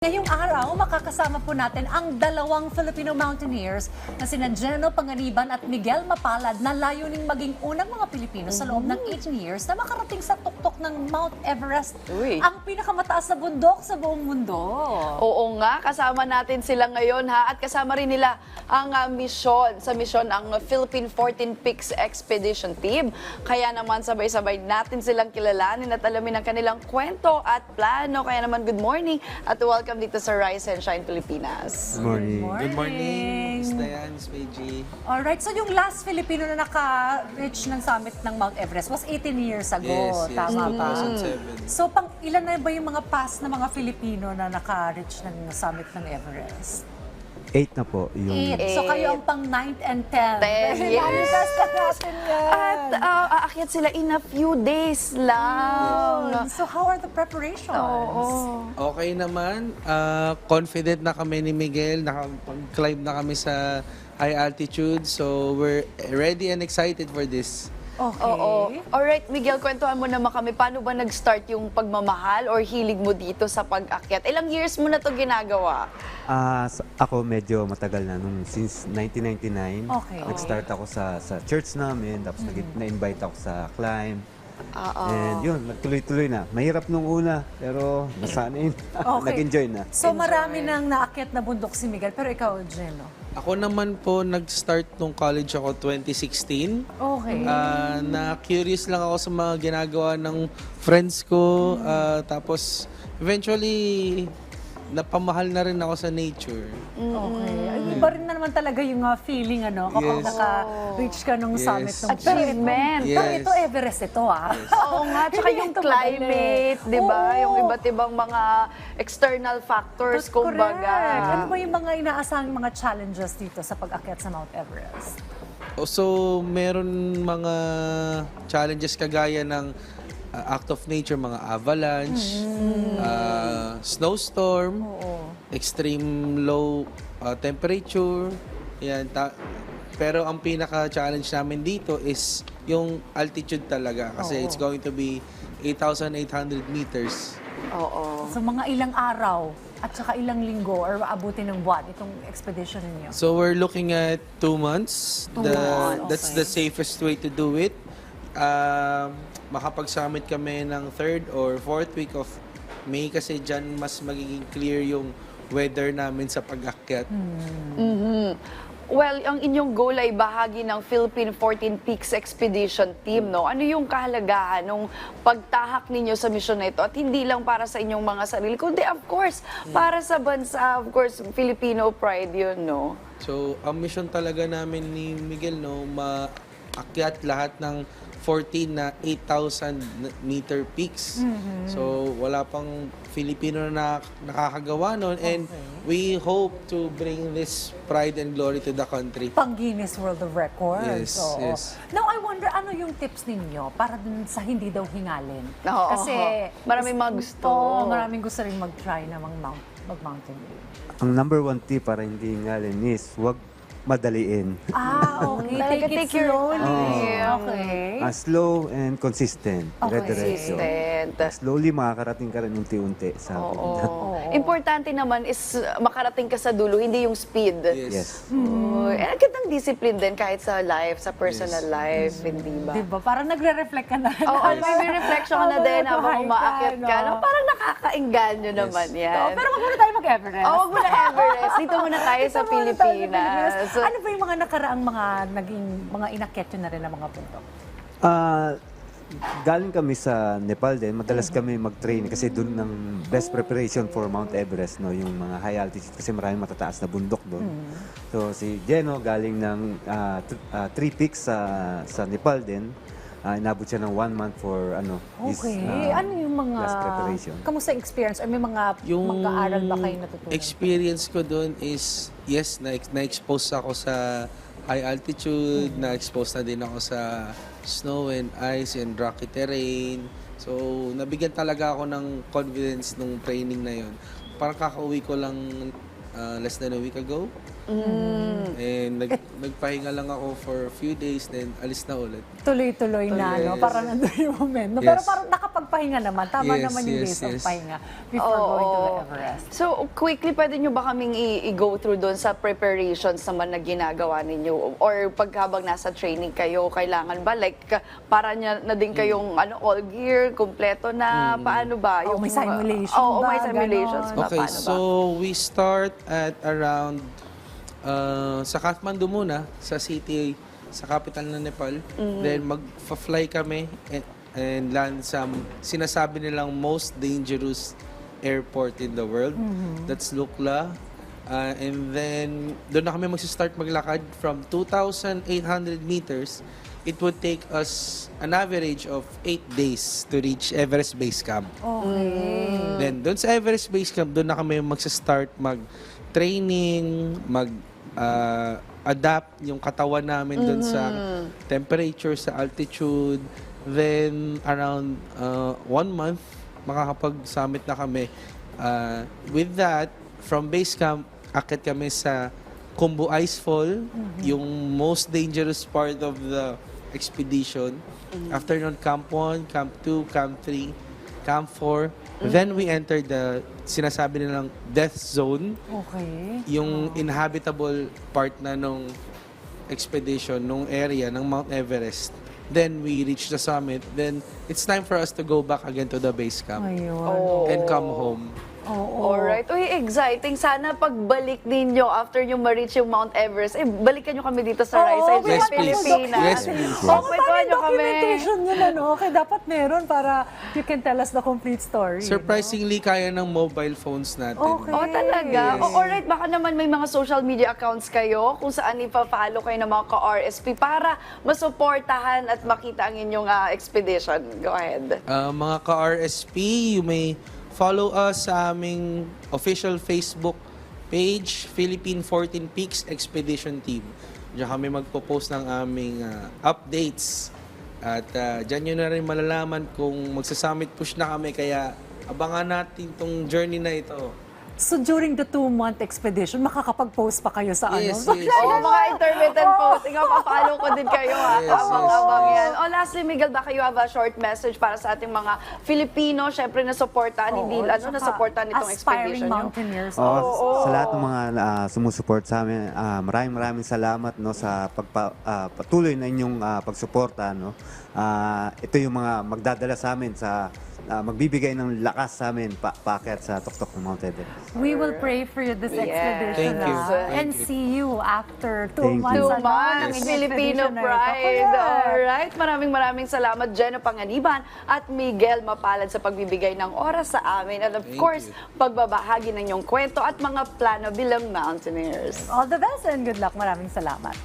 Ngayong araw, makakasama po natin ang dalawang Filipino mountaineers na sina Geno Panganiban at Miguel Mapalad na layuning maging unang mga Pilipino sa loob ng 18 years na makarating sa tuktok ng Mount Everest, ang pinakamataas na bundok sa buong mundo. Oo nga, kasama natin sila ngayon ha, at kasama rin nila ang misyon ang Philippine 14 Peaks Expedition Team. Kaya naman sabay-sabay natin silang kilalanin at alamin ang kanilang kwento at plano. Kaya naman good morning at welcome dito sa Rise and Shine Pilipinas. Good morning. Good morning. Miss Dayan, Miss Meiji. Alright, so yung last Filipino na naka-reach ng summit ng Mount Everest was 18 years ago. Yes, Tama ba? 2007. So, ilan na ba yung mga past na mga Filipino na naka-reach ng summit ng Everest? 8 na po yung 8. So, kayo ang pang 9th and 10th. 10, yes. Lalitas na natin yan. At aakyat sila in a few days lang. So, how are the preparations? Okay naman. Confident na kami ni Miguel. Nakapag-climb na kami sa high altitude. So, we're ready and excited for this. Okay. Oo. Alright, Miguel, kwentuhan mo naman kami. Paano ba nag-start yung pagmamahal or hilig mo dito sa pag-akyat? Ilang years mo na to ginagawa? ako medyo matagal na since 1999. Okay. Nag-start ako sa church namin, tapos na-invite ako sa climb. Oo. And yun, nagtuloy-tuloy na. Mahirap nung una, pero nasanay na. Okay. Nag-enjoy na. So, marami nang naakyat na bundok si Miguel. Pero ikaw, Geno? Ako naman po, nag-start nung college ako 2016. Okay. Na-curious lang ako sa mga ginagawa ng friends ko. Tapos, eventually, napamahal na rin ako sa nature. Okay. Ay, iba rin na naman talaga yung feeling, kapag Yes. naka-reach ka nung Yes. summit. Nung Achievement. Pero Yes. ito, Everest ito, Oo nga, tsaka yung Ito climate, madali. di ba? Oo. Yung iba't ibang mga external factors, Correct. kumbaga. Ano ba yung mga inaasahang mga challenges dito sa pag-akyat sa Mount Everest? So, meron mga challenges kagaya ng act of nature, mga avalanche, snowstorm, extreme low temperature. Yan, pero ang pinaka-challenge namin dito is yung altitude talaga kasi it's going to be 8,800 meters. Oo. So mga ilang araw at saka ilang linggo or abutin ng buwan itong expedition ninyo? So we're looking at 2 months. 2 months, That's okay. the safest way to do it. Makapag-summit kami ng 3rd or 4th week of May kasi dyan mas magiging clear yung weather namin sa pag-akyat. Well, ang inyong goal ay bahagi ng Philippine 14 Peaks Expedition Team, no? Ano yung kahalagahan ng pagtahak ninyo sa misyon na ito? At hindi lang para sa inyong mga sarili, kundi of course, para sa bansa, of course, Filipino pride yun, no? So, ang mission talaga namin ni Miguel, no, maakyat lahat ng 14 na 8,000 meter peaks. So, wala pang Filipino na nakakagawa nun. And we hope to bring this pride and glory to the country. Pang Guinness World of Records. Yes, Oo. yes. Now, I wonder, ano yung tips ninyo para dun sa hindi daw hingalin? Oo. Kasi Maraming mga gusto. Oo, maraming gusto rin mag-try na mag-mountaineering. Ang number 1 tip para hindi ngalin is huwag madaliin. Okay. Talaga take your slowly. time. Okay. Slow and consistent. Okay. Dire-diretso. Consistent. Slowly makakarating ka rin unti-unti sa pupuntahan. Importante naman is makarating ka sa dulo, hindi yung speed. Yes. Ang gandang discipline din kahit sa life, sa personal life, hindi ba? Diba? Parang nagre-reflect ka na. Oo, may reflection ka na din habang umaakyat ka. No? Parang nakakainganyo naman yan. Pero wag muna tayo mag-Everest. Wag mo na Everest. Dito muna tayo sa Dito muna tayo sa Pilipinas. Ano ba yung mga nakaraang mga inakyat yun na rin ng mga bundok? Galing kami sa Nepal din, madalas kami mag-train kasi doon ng best preparation for Mount Everest, no, yung mga high altitude kasi maraming matataas na bundok doon. So si Geno galing ng 3 peaks sa Nepal din. Inabot siya ng 1 month for his Okay. Ano yung mga... last preparation. Kamusta yung experience? Or may mga Yung mag-aaral ba kayo natutunan? experience ko doon is, yes, na-expose ako sa high altitude, na-expose na din ako sa snow and ice and rocky terrain. So, nabigyan talaga ako ng confidence nung training na yon. Parang kakauwi ko lang less than a week ago. And nagpahinga lang ako for a few days, then alis na ulit. Tuloy-tuloy na, no? Yes. Parang nandun yung moment. No? Yes. Pero parang nakapagpahinga naman. Tama Yes, naman yung yes, days of yes. pahinga before going to the Everest. So, quickly, pwede nyo ba kaming i-go through doon sa preparations naman na ginagawa ninyo? Or pagkabang nasa training kayo, kailangan ba? Like, para na din kayong all gear, kompleto na, paano ba? Oh, may simulation Oo, ba? may simulations ba? Okay, Paano ba? so we start at around sa Kathmandu muna, sa city, sa capital ng Nepal. Then mag-fly kami and land sa sinasabi nilang most dangerous airport in the world. That's Lukla. And then doon na kami mag-start maglakad from 2,800 meters. It would take us an average of 8 days to reach Everest Base Camp. Okay. Then, doon sa Everest Base Camp, doon na kami mag-start mag-training, adapt yung katawan namin doon sa temperature, sa altitude. Then, around 1 month, makakapag-summit na kami. With that, from base camp, akit kami sa Khumbu Icefall, yung most dangerous part of the expedition. After nun, Camp 1, Camp 2, Camp 3, Camp 4. Then we entered the sinasabi nilang death zone, Okay. yung inhabitable part na nung expedition, nung area ng Mount Everest. Then we reach the summit. Then it's time for us to go back again to the base camp Ayun. and come home. Oo. Alright. Uy, exciting. Sana pagbalik ninyo after nyo ma-reach yung Mount Everest, balikan nyo kami dito sa Rise Side Yes, sa please. Pilipinas. Yes, please. Oh, kwentuhan nyo kami. Documentation yun, ano? Okay, dapat meron para you can tell us the complete story. Surprisingly, kaya ng mobile phones natin. Okay. Oh, talaga? Yes. Oh, alright, baka naman may mga social media accounts kayo kung saan ipa-follow kayo ng mga ka-RSP para masuportahan at makita ang inyong expedition. Go ahead. Mga ka-RSP, you may follow us sa aming official Facebook page, Philippine 14 Peaks Expedition Team. Diyan kami magpo-post ng aming updates. At diyan nyo na rin malalaman kung magsa-summit push na kami. Kaya abangan natin tong journey na ito. So during the 2-month expedition, makakapag-post pa kayo sa Yes, ano? yes. Oh, mga intermittent posting. Pa-follow ko din kayo ha. Yes, Abang-abang yes. yan. Oh, lastly, Miguel, baka you have a short message para sa ating mga Filipino, syempre na supportan, hindi na supportan itong expedition nyo. mountaineers. Sa lahat ng mga sumusuport sa amin, maraming salamat no sa patuloy na inyong pagsuporta no. Ito yung mga magdadala sa amin sa magbibigay ng lakas sa amin paakyat sa tuktok ng Mount Everest. We will pray for you this Yes. expedition. Thank you. And Thank you. see you after 2 Thank you. months. 2 ano, months, ng Filipino expedition na ito. Pride. Correct. Alright, maraming salamat, Jenna Panganiban at Miguel Mapalad sa pagbibigay ng oras sa amin. And of Thank course, you. pagbabahagi ng inyong kwento at mga plano bilang mountaineers. All the best and good luck. Maraming salamat.